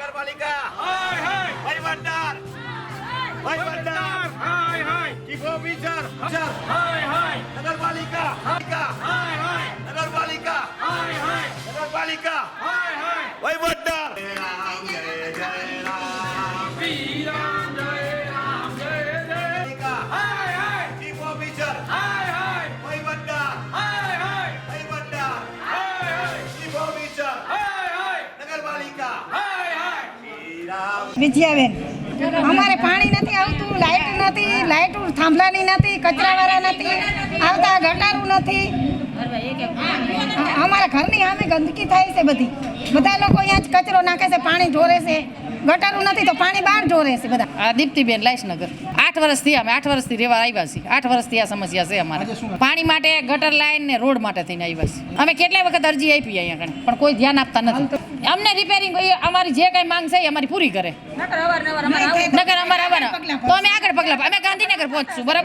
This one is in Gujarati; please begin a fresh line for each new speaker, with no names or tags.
નગરપાલિકા વહીવટદાર ચીફ ઓફિસર નગરપાલિકા નગરપાલિકા નગરપાલિકા વહીવટદાર ચીફ ઓફિસર વહીવટદાર ચીફ ઓફિસર નગરપાલિકા
વિજયાબેન, અમારે પાણી નથી આવતું, લાઇટ નથી, લાઇટ થાંભલાની નથી, કચરાવાળા નથી આવતા, ગટારું નથી. અમારા ઘરની સામે ગંદકી થાય છે બધી. બધા લોકો અહીંયા જ કચરો નાખે છે, પાણી ઢોરે છે. ગટારું નથી તો પાણી બહાર ઢોરે છે બધા.
આ દીપ્તિબેન લાઈસનગર 8 વર્ષથી અમે 8 વર્ષથી રહેવા આવ્યા છીએ. 8 વર્ષથી આ સમસ્યા છે અમારે. પાણી માટે, ગટર લાઈન ને રોડ માટે થઈને આવ્યા છીએ. અમે કેટલાય વખત અરજી આપી અહીંયા કણે, પણ કોઈ ધ્યાન આપતા નથી. અમને રિપેરિંગ અમારી જે કઈ માંગ છે એ અમારી પૂરી કરે. નગર અમારે આવવાના તો અમે આગળ પગલા, અમે ગાંધીનગર પહોંચશું. બરાબર.